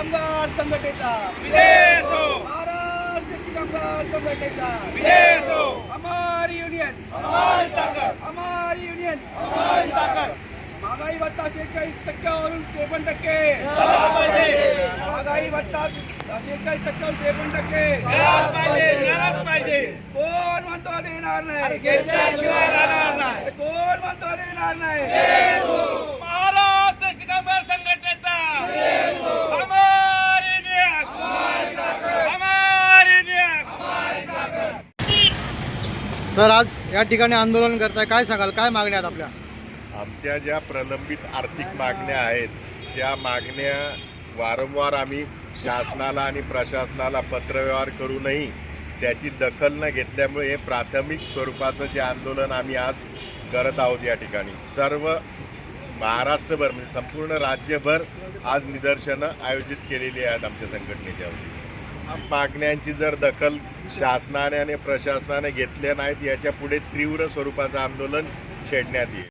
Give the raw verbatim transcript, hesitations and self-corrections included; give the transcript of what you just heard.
कामगार संघटनेचा विजय असो, महाराष्ट्र एसटी कामगार संघटनेचा विजय असो, हमारी युनियन हमारी ताकद, हमारी युनियन हमारी ताकद. महागाई भत्ता शेहेचाळीस टक्क्यावरून त्रेपन्न टक्के झाला पाहिजे, महागाई भत्ता शेहेचाळीस टक्क्यावरून त्रेपन्न टक्के मिळालाच पाहिजे, मिळालाच पाहिजे. कोण म्हणतो देणार नाही घेतल्याशिवाय राहणार नाही. कोण म्हणतो देणार नाही महाराष्ट्र एसटी कामगार संघटनेचा हमारी न्याय, हमारी न्याय. सर, आज या ठिकाणी आंदोलन करताय, काय सांगाल, काय मागण्या आहेत आपल्या? आमच्या ज्या प्रलंबित आर्थिक मागण्या आहेत त्या मागण्या वारंवार आम्ही शासनाला आणि प्रशासनाला पत्रव्यवहार करूनही त्याची दखल न घेतल्यामुळे हे प्राथमिक स्वरूपाचं जे आंदोलन आम्ही आज करत आहोत या ठिकाणी सर्व महाराष्ट्रभर म्हणजे संपूर्ण राज्यभर आज निदर्शनं आयोजित केलेली आहेत आमच्या संघटनेच्या वतीने. मागण्यांची जर दखल शासनाने आणि प्रशासनाने घेतल्या नाहीत याच्या पुढे तीव्र स्वरूपाचं आंदोलन छेडण्यात येईल.